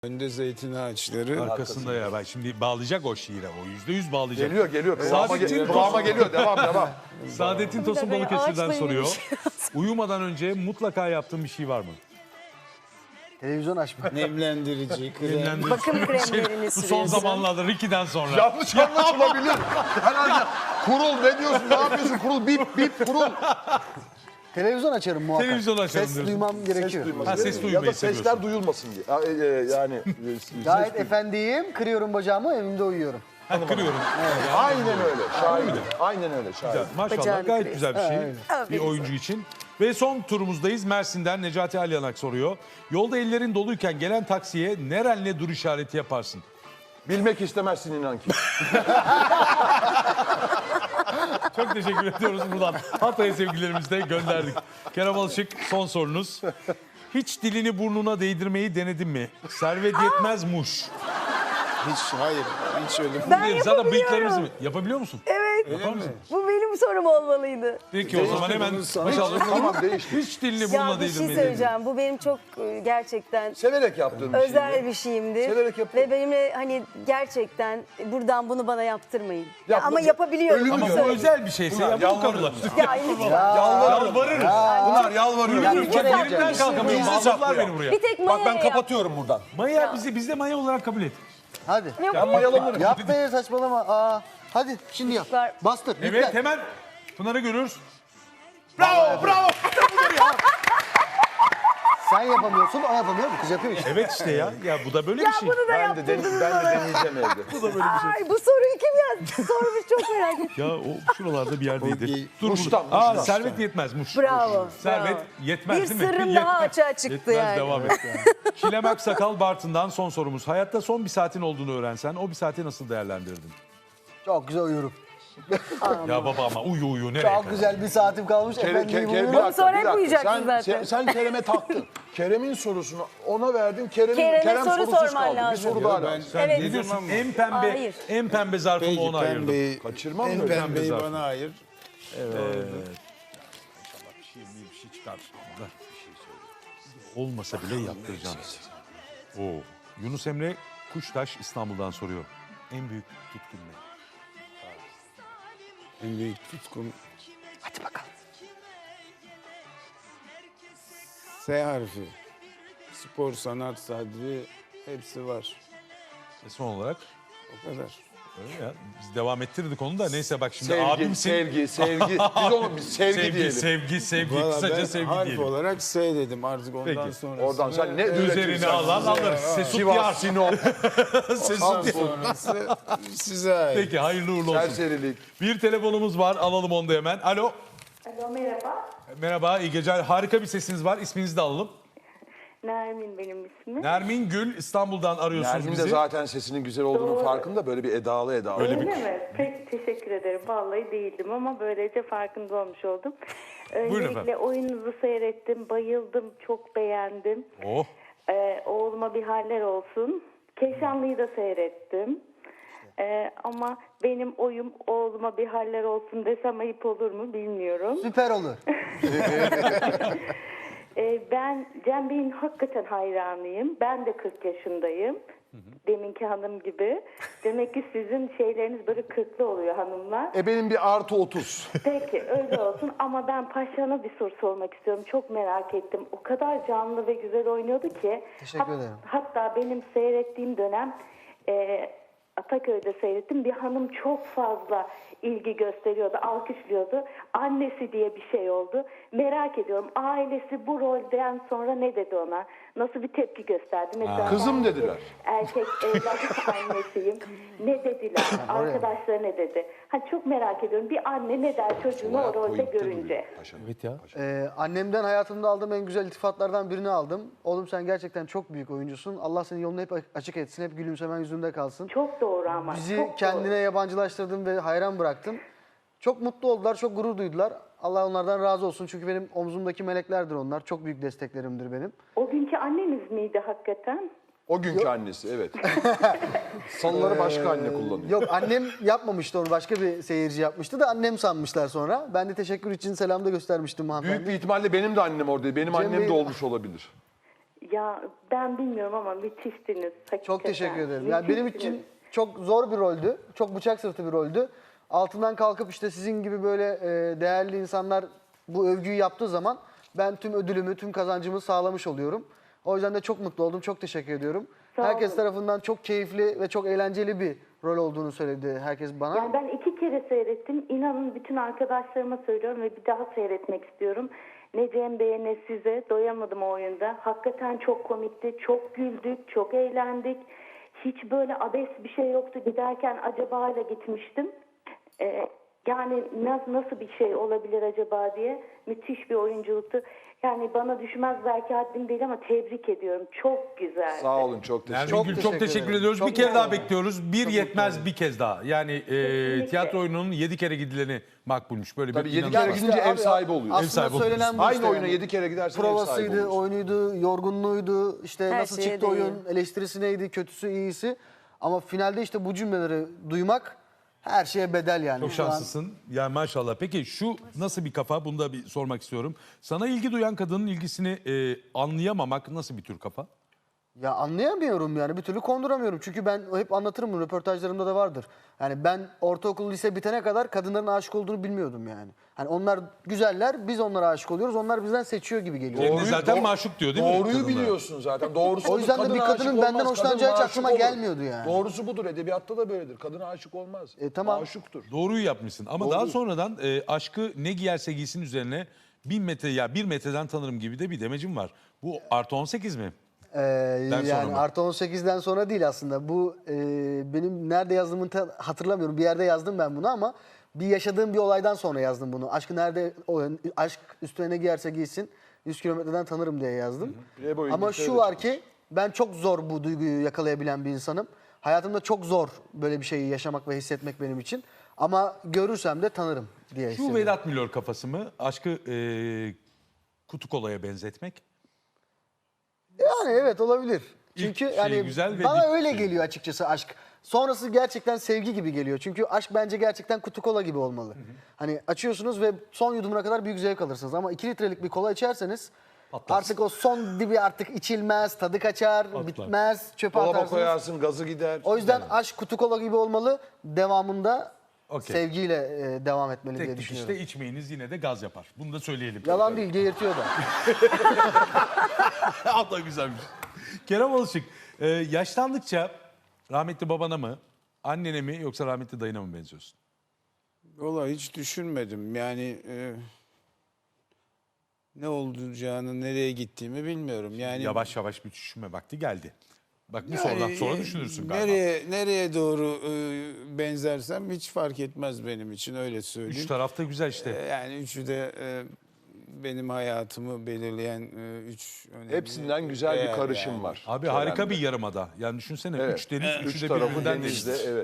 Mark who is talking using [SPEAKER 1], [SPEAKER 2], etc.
[SPEAKER 1] Önde zeytin ağaçları.
[SPEAKER 2] Arkasında ya ben şimdi bağlayacak o şiire. O %100 bağlayacak.
[SPEAKER 3] Geliyor.
[SPEAKER 2] Saadettin
[SPEAKER 3] Kıvama geliyor. Devam.
[SPEAKER 2] Saadettin Tosun
[SPEAKER 4] böyle
[SPEAKER 2] Balıkesir'den
[SPEAKER 4] ağaçla
[SPEAKER 2] soruyor. Uyumadan önce mutlaka yaptığın bir şey var mı?
[SPEAKER 5] Televizyon açma.
[SPEAKER 1] Nemlendirici, krem.
[SPEAKER 2] Dinlendirici.
[SPEAKER 4] Bakım kremlerini
[SPEAKER 2] Bu son
[SPEAKER 4] sürüyorsun.
[SPEAKER 2] zamanlarda Ricky'den sonra.
[SPEAKER 3] Yanlış anlaşılabilir. Herhalde kurul ne diyorsun? Ne yapıyorsun? Kurul bip kurul.
[SPEAKER 5] Televizyon açarım muhakkak.
[SPEAKER 2] Televizyon açarım
[SPEAKER 5] Ses
[SPEAKER 2] diyorsun.
[SPEAKER 5] duymam gerekiyor.
[SPEAKER 2] Ha, ses
[SPEAKER 3] Ya
[SPEAKER 2] duymayı
[SPEAKER 3] da sesler
[SPEAKER 2] seviyorsun.
[SPEAKER 3] duyulmasın diye. Yani
[SPEAKER 5] Gayet efendiyim, kırıyorum bacağımı, evimde uyuyorum.
[SPEAKER 2] Ha, kırıyorum.
[SPEAKER 3] aynen öyle. Şahit. Aynen öyle. Şahit.
[SPEAKER 2] Maşallah
[SPEAKER 4] Bacağını
[SPEAKER 2] gayet
[SPEAKER 4] kırıyor.
[SPEAKER 2] güzel bir şey. Bir oyuncu için. Ve son turumuzdayız. Mersin'den Necati Alyanak soruyor. Yolda ellerin doluyken gelen taksiye nerenle dur işareti yaparsın?
[SPEAKER 3] Bilmek istemezsin inan ki.
[SPEAKER 2] Çok teşekkür ediyoruz buradan. Hatay'a sevgilerimizi de gönderdik. Kerem Alışık son sorunuz. Hiç dilini burnuna değdirmeyi denedin mi? Servet yetmez muş.
[SPEAKER 1] Hayır, hiç öyle.
[SPEAKER 4] Ben
[SPEAKER 2] Zaten bıyıklarımızı
[SPEAKER 4] yapabiliyorum.
[SPEAKER 2] mı? Yapabiliyor musun?
[SPEAKER 4] Evet.
[SPEAKER 2] Yapar mısın?
[SPEAKER 4] Bu benim sorum olmalıydı.
[SPEAKER 2] Peki o zaman hemen başlayalım.
[SPEAKER 3] Tamam değişti.
[SPEAKER 2] Hiç dilini
[SPEAKER 4] Ya
[SPEAKER 2] burnuna
[SPEAKER 4] bir şey
[SPEAKER 2] değdirmeyi denedin mi?
[SPEAKER 4] söyleyeceğim. Bu benim çok gerçekten
[SPEAKER 3] Severek yaptığım bir şey.
[SPEAKER 4] özel bir şeyimdir.
[SPEAKER 3] Severek yapıyorum.
[SPEAKER 4] Ve benimle hani gerçekten buradan bunu bana yaptırmayın.
[SPEAKER 3] Yapma.
[SPEAKER 4] Ama yapabiliyorum.
[SPEAKER 3] Ölümü
[SPEAKER 4] bunu
[SPEAKER 2] Ama bu
[SPEAKER 4] söyleyeyim.
[SPEAKER 2] özel bir şeyse ya bunu kabul et.
[SPEAKER 4] Ya,
[SPEAKER 2] Yalvarırız.
[SPEAKER 3] Bunlar yalvarıyor.
[SPEAKER 4] Bir kere
[SPEAKER 2] Yerimden kalkamıyorum. Bağladılar beni buraya.
[SPEAKER 4] bir tek Maya'ya yap.
[SPEAKER 3] buradan.
[SPEAKER 2] Maya bizde Maya olarak kabul et.
[SPEAKER 5] Hadi.
[SPEAKER 3] Ben mayalanırım.
[SPEAKER 5] Yap be saçmalama. Hadi şimdi yap.
[SPEAKER 4] Var.
[SPEAKER 5] Bastır.
[SPEAKER 2] Evet
[SPEAKER 5] yüklen.
[SPEAKER 2] hemen Pınar'ı görürüz. Bravo.
[SPEAKER 5] Sen yapamıyorsun, o yapamıyor. Bu kız yapıyor işte.
[SPEAKER 2] Evet işte ya. Ya bu da böyle
[SPEAKER 4] Ya
[SPEAKER 2] bir şey.
[SPEAKER 4] bunu da
[SPEAKER 3] Ben de
[SPEAKER 4] yaptırdınız bana.
[SPEAKER 3] deneyeceğim evde.
[SPEAKER 2] Bu da böyle bir şey.
[SPEAKER 4] Ay bu soruyu kim yazdı? Sormuş çok merak ettim.
[SPEAKER 2] Ya o şuralarda bir yerdeydi. Dur
[SPEAKER 3] Muş'tan,
[SPEAKER 2] burada.
[SPEAKER 3] Muş'tan.
[SPEAKER 2] Servet yetmez. Muş.
[SPEAKER 4] Bravo.
[SPEAKER 2] Servet
[SPEAKER 4] bravo.
[SPEAKER 2] yetmez
[SPEAKER 4] Bir
[SPEAKER 2] değil mi?
[SPEAKER 4] sırrım daha açığa çıktı
[SPEAKER 2] Yetmez,
[SPEAKER 4] yani.
[SPEAKER 2] devam et. Çilem Aksakal Bartın'dan son sorumuz. Hayatta son bir saatin olduğunu öğrensen o bir saati nasıl değerlendirirdin?
[SPEAKER 5] Çok güzel uyurum.
[SPEAKER 2] Ya baba ama uyu nereye
[SPEAKER 5] Çok güzel bir saatim kalmış. Efendim uyuyorum.
[SPEAKER 4] sonra hep uyuyacaksın zaten.
[SPEAKER 3] Sen Kerem'e taktın. Kerem'in sorusunu ona verdin.
[SPEAKER 4] Kerem'e
[SPEAKER 3] Kerem
[SPEAKER 4] soru
[SPEAKER 3] sorusuz
[SPEAKER 4] sorman
[SPEAKER 3] kaldı.
[SPEAKER 4] lazım.
[SPEAKER 3] Bir soru daha
[SPEAKER 1] Ben-
[SPEAKER 3] lazım.
[SPEAKER 2] Sen
[SPEAKER 4] Evet.
[SPEAKER 2] ne diyorsun?
[SPEAKER 1] Ama-
[SPEAKER 2] En pembe,
[SPEAKER 4] Hayır.
[SPEAKER 2] en pembe zarfımı
[SPEAKER 1] Peki
[SPEAKER 2] ona ayırdım.
[SPEAKER 1] pembeyi,
[SPEAKER 3] Kaçırmam
[SPEAKER 1] en
[SPEAKER 3] mı?
[SPEAKER 1] pembeyi
[SPEAKER 2] Pembe
[SPEAKER 1] bana ayır.
[SPEAKER 2] Bir şey çıkar. Olmasa bile yaptıracağım. Oo. Yunus Emre Kuştaş İstanbul'dan soruyor. En büyük tutkun ne?
[SPEAKER 1] En büyük tutkum.
[SPEAKER 4] Hadi bakalım.
[SPEAKER 1] S harfi. Spor, sanat, sadri hepsi var.
[SPEAKER 2] Ve son olarak
[SPEAKER 1] O kadar.
[SPEAKER 2] öyle ya. Biz devam ettirdik onu da. Neyse bak şimdi
[SPEAKER 3] Sevgi,
[SPEAKER 2] abimsin.
[SPEAKER 3] sevgi. Biz ona sevgi diyelim.
[SPEAKER 2] Sevgi.
[SPEAKER 1] Valla
[SPEAKER 2] Kısaca
[SPEAKER 1] ben
[SPEAKER 2] sevgi
[SPEAKER 1] harf
[SPEAKER 2] diyelim.
[SPEAKER 1] olarak S dedim artık ondan
[SPEAKER 2] Peki.
[SPEAKER 1] sonra.
[SPEAKER 3] Oradan sen ne
[SPEAKER 2] Üzerine
[SPEAKER 3] üretirsen.
[SPEAKER 2] alan alır. Sesut
[SPEAKER 3] Sivas,
[SPEAKER 2] yar.
[SPEAKER 3] Sinop,
[SPEAKER 2] Sesut yar.
[SPEAKER 1] sonrası size ait.
[SPEAKER 2] Peki hayırlı uğurlu olsun.
[SPEAKER 3] serserilik.
[SPEAKER 2] Bir telefonumuz var. Alalım onu da hemen. Alo.
[SPEAKER 6] Alo merhaba.
[SPEAKER 2] Merhaba. İyi geceler. Harika bir sesiniz var. İsminizi de alalım.
[SPEAKER 6] Nermin benim ismim.
[SPEAKER 2] Nermin Gül İstanbul'dan arıyorsunuz
[SPEAKER 3] Nermin
[SPEAKER 2] bizi.
[SPEAKER 3] de zaten sesinin güzel olduğunun
[SPEAKER 6] Doğru.
[SPEAKER 3] farkında. Böyle bir edalı.
[SPEAKER 6] Öyle mi? Pek teşekkür ederim. Vallahi değildim ama böylece farkında olmuş oldum.
[SPEAKER 2] efendim.
[SPEAKER 6] Öncelikle oyununuzu seyrettim. Bayıldım. Çok beğendim.
[SPEAKER 2] Oh.
[SPEAKER 6] Oğluma bir haller olsun. Keşanlı'yı da seyrettim. Ama benim oyum oğluma bir haller olsun desem ayıp olur mu bilmiyorum.
[SPEAKER 5] Süper olur.
[SPEAKER 6] Ben Cem Bey'in hakikaten hayranıyım. Ben de 40 yaşındayım. Deminki hanım gibi. Demek ki sizin şeyleriniz böyle 40'lı oluyor hanımlar.
[SPEAKER 3] Benim bir artı 30.
[SPEAKER 6] Peki öyle olsun ama ben Paşa'na bir soru sormak istiyorum. Çok merak ettim. O kadar canlı ve güzel oynuyordu ki.
[SPEAKER 5] Teşekkür ederim.
[SPEAKER 6] Hatta benim seyrettiğim dönem Ataköy'de seyrettim. Bir hanım çok fazla ilgi gösteriyordu, alkışlıyordu. Annesi diye bir şey oldu. Merak ediyorum ailesi bu rolden sonra ne dedi ona? Nasıl bir tepki gösterdi? Mesela
[SPEAKER 3] Kızım
[SPEAKER 6] ben
[SPEAKER 3] dediler.
[SPEAKER 6] Erkek evlat annesiyim. Ne dediler? Arkadaşları ne dedi? Çok merak ediyorum. Bir anne ne der çocuğunu o rolde görünce?
[SPEAKER 2] Evet ya.
[SPEAKER 5] Annemden hayatımda aldığım en güzel iltifatlardan birini aldım. Oğlum sen gerçekten çok büyük oyuncusun. Allah senin yolunu hep açık etsin. Hep gülümsemen yüzünde kalsın.
[SPEAKER 6] Çok doğru ama.
[SPEAKER 5] Bizi
[SPEAKER 6] çok
[SPEAKER 5] kendine
[SPEAKER 6] doğru.
[SPEAKER 5] yabancılaştırdın ve hayran bıraktın. Çok mutlu oldular, çok gurur duydular. Allah onlardan razı olsun. Çünkü benim omzumdaki meleklerdir onlar. Çok büyük desteklerimdir benim.
[SPEAKER 6] O günkü anneniz miydi hakikaten?
[SPEAKER 3] O günkü annesi evet. Salıları başka anne kullanıyor.
[SPEAKER 5] Yok annem yapmamıştı onu. Başka bir seyirci yapmıştı da annem sanmışlar sonra. Ben de teşekkür için selam da göstermiştim hanımefendi.
[SPEAKER 3] Büyük bir ihtimalle benim de annem oradaydı. Benim
[SPEAKER 5] Cem
[SPEAKER 3] annem
[SPEAKER 5] Bey-
[SPEAKER 3] de olmuş olabilir.
[SPEAKER 6] Ya ben bilmiyorum ama müthiştiniz. Hakikaten.
[SPEAKER 5] Çok teşekkür ederim. Yani benim
[SPEAKER 6] Müthişsiniz.
[SPEAKER 5] için çok zor bir roldü. Çok bıçak sırtı bir roldü. Altından kalkıp işte sizin gibi böyle değerli insanlar bu övgüyü yaptığı zaman ben tüm ödülümü, tüm kazancımı sağlamış oluyorum. O yüzden de çok mutlu oldum. Çok teşekkür ediyorum.
[SPEAKER 6] Sağ
[SPEAKER 5] Herkes
[SPEAKER 6] olun.
[SPEAKER 5] tarafından çok keyifli ve çok eğlenceli bir rol olduğunu söyledi herkes bana.
[SPEAKER 6] Yani ben 2 kere seyrettim. İnanın bütün arkadaşlarıma söylüyorum ve bir daha seyretmek istiyorum. Ne Cem Bey'e ne size. Doyamadım o oyunda. Hakikaten çok komikti. Çok güldük, çok eğlendik. Hiç böyle abes bir şey yoktu. Giderken acaba ile gitmiştim. Yani nasıl bir şey olabilir acaba diye. Müthiş bir oyunculuktu. Yani bana düşmez belki haddim değil ama tebrik ediyorum. Çok güzel.
[SPEAKER 3] Sağ olun, çok teşekkür
[SPEAKER 2] Nermin Gül çok
[SPEAKER 5] teşekkür
[SPEAKER 2] teşekkür
[SPEAKER 5] ederim.
[SPEAKER 2] ediyoruz.
[SPEAKER 5] Çok
[SPEAKER 2] Bir kere
[SPEAKER 5] mutlu
[SPEAKER 2] daha
[SPEAKER 5] oldum.
[SPEAKER 2] bekliyoruz. Bir yetmez bir kez daha. Yani tiyatro oyununun 7 kere gidileni makbulmuş. Böyle
[SPEAKER 3] Tabii
[SPEAKER 2] bir
[SPEAKER 3] 7
[SPEAKER 2] inanış
[SPEAKER 3] kere
[SPEAKER 2] var.
[SPEAKER 3] gidince ev
[SPEAKER 5] abi,
[SPEAKER 3] sahibi oluyor.
[SPEAKER 5] Aslında
[SPEAKER 2] sahibi
[SPEAKER 5] söylenen bu
[SPEAKER 3] Aynı
[SPEAKER 5] işte
[SPEAKER 3] oyuna
[SPEAKER 5] yani.
[SPEAKER 3] 7 kere gidersen ev sahibi
[SPEAKER 5] Provasıydı,
[SPEAKER 3] oluyorsun.
[SPEAKER 5] oyunuydu, yorgunluğuydu, işte
[SPEAKER 4] Her
[SPEAKER 5] nasıl
[SPEAKER 4] şeye
[SPEAKER 5] çıktı
[SPEAKER 4] değiyor.
[SPEAKER 5] oyun, eleştirisi neydi, kötüsü, iyisi. Ama finalde işte bu cümleleri duymak her şeye bedel yani.
[SPEAKER 2] Çok
[SPEAKER 5] Şu an-
[SPEAKER 2] şanslısın. Yani maşallah. Peki şu nasıl bir kafa? Bunu da bir sormak istiyorum. Sana ilgi duyan kadının ilgisini anlayamamak nasıl bir tür kafa?
[SPEAKER 5] Ya anlayamıyorum yani bir türlü konduramıyorum. Çünkü ben hep anlatırım bunu, röportajlarımda da vardır. Yani ben ortaokul, lise bitene kadar kadınların aşık olduğunu bilmiyordum yani. Hani onlar güzeller, biz onlara aşık oluyoruz. Onlar bizden seçiyor gibi geliyor.
[SPEAKER 2] Cem de zaten
[SPEAKER 3] doğru-
[SPEAKER 2] maşuk diyor değil mi?
[SPEAKER 3] Doğruyu
[SPEAKER 2] kadınlar?
[SPEAKER 3] biliyorsun zaten. Doğrusu
[SPEAKER 5] O yüzden de
[SPEAKER 3] kadına
[SPEAKER 5] bir kadının
[SPEAKER 3] aşık
[SPEAKER 5] benden
[SPEAKER 3] olmaz,
[SPEAKER 5] hoşlanacağı hiç
[SPEAKER 3] kadına aşık
[SPEAKER 5] aklıma
[SPEAKER 3] olur.
[SPEAKER 5] gelmiyordu yani.
[SPEAKER 3] Doğrusu budur. Edebiyatta da böyledir. Kadına aşık olmaz.
[SPEAKER 5] Tamam.
[SPEAKER 3] Aşıktır.
[SPEAKER 2] Doğruyu yapmışsın. Ama daha sonradan aşkı ne giyerse giysin üzerine 1000 metre ya 1 metreden tanırım gibi de bir demecim var. Bu artı 18 mi? sonra
[SPEAKER 5] Yani
[SPEAKER 2] mı?
[SPEAKER 5] artı 18'den sonra değil aslında. Bu benim nerede yazdığımı hatırlamıyorum. Bir yerde yazdım ben bunu ama bir yaşadığım bir olaydan sonra yazdım bunu. Aşkı nerede, aşk üstüne ne giyerse giysin 100 kilometreden tanırım diye yazdım.
[SPEAKER 3] Playboy
[SPEAKER 5] Ama
[SPEAKER 3] İngiltere'de
[SPEAKER 5] şu var ki ben çok zor bu duyguyu yakalayabilen bir insanım. Hayatımda çok zor böyle bir şeyi yaşamak ve hissetmek benim için. Ama görürsem de tanırım diye
[SPEAKER 2] Şu
[SPEAKER 5] hissediyorum.
[SPEAKER 2] Vedat Milor kafası mı? Aşkı kutu kolaya benzetmek.
[SPEAKER 5] Yani evet olabilir.
[SPEAKER 2] İlk
[SPEAKER 5] Çünkü
[SPEAKER 2] şey
[SPEAKER 5] yani
[SPEAKER 2] güzel ve
[SPEAKER 5] bana
[SPEAKER 2] dip
[SPEAKER 5] öyle
[SPEAKER 2] şey.
[SPEAKER 5] geliyor açıkçası aşk. Sonrası gerçekten sevgi gibi geliyor. Çünkü aşk bence gerçekten kutu kola gibi olmalı. Hani açıyorsunuz ve son yudumuna kadar büyük zevk alırsınız. Ama 2 litrelik bir kola içerseniz artık o son dibi artık içilmez, tadı kaçar, bitmez, çöpe
[SPEAKER 3] Dolaba
[SPEAKER 5] atarsınız.
[SPEAKER 3] koyarsın, gazı gider.
[SPEAKER 5] O yüzden aşk kutu kola gibi olmalı. Devamında
[SPEAKER 2] Okey.
[SPEAKER 5] sevgiyle devam etmeli diye
[SPEAKER 2] Tek
[SPEAKER 5] düşünüyorum.
[SPEAKER 2] işte içmeyiniz yine de gaz yapar. Bunu da söyleyelim.
[SPEAKER 5] Yalan değil, geğirtiyor da.
[SPEAKER 2] Allah güzelmiş. Kerem Alışık, yaşlandıkça rahmetli babana mı, annene mi yoksa rahmetli dayına mı benziyorsun?
[SPEAKER 1] Vallahi hiç düşünmedim. Yani ne olacağını, nereye gittiğimi bilmiyorum. Yani
[SPEAKER 2] Yavaş yavaş bir düşünme vakti geldi. Bak bu
[SPEAKER 1] yani,
[SPEAKER 2] sorudan sonra düşünürsün galiba.
[SPEAKER 1] Nereye doğru benzersem hiç fark etmez benim için, öyle söyleyeyim.
[SPEAKER 2] Üç tarafta güzel işte.
[SPEAKER 1] Yani üçü de benim hayatımı belirleyen üç önemli
[SPEAKER 3] Hepsinden güzel bir
[SPEAKER 1] değer
[SPEAKER 3] karışım
[SPEAKER 1] yani.
[SPEAKER 3] var.
[SPEAKER 2] Abi
[SPEAKER 3] Kerem'de.
[SPEAKER 2] harika bir yarımada. Yani düşünsene
[SPEAKER 3] Evet.
[SPEAKER 2] 3 deniz, üçü
[SPEAKER 3] Üç
[SPEAKER 2] de
[SPEAKER 3] tarafı
[SPEAKER 2] birbirinden
[SPEAKER 3] denizde.
[SPEAKER 2] deniz.
[SPEAKER 3] Evet.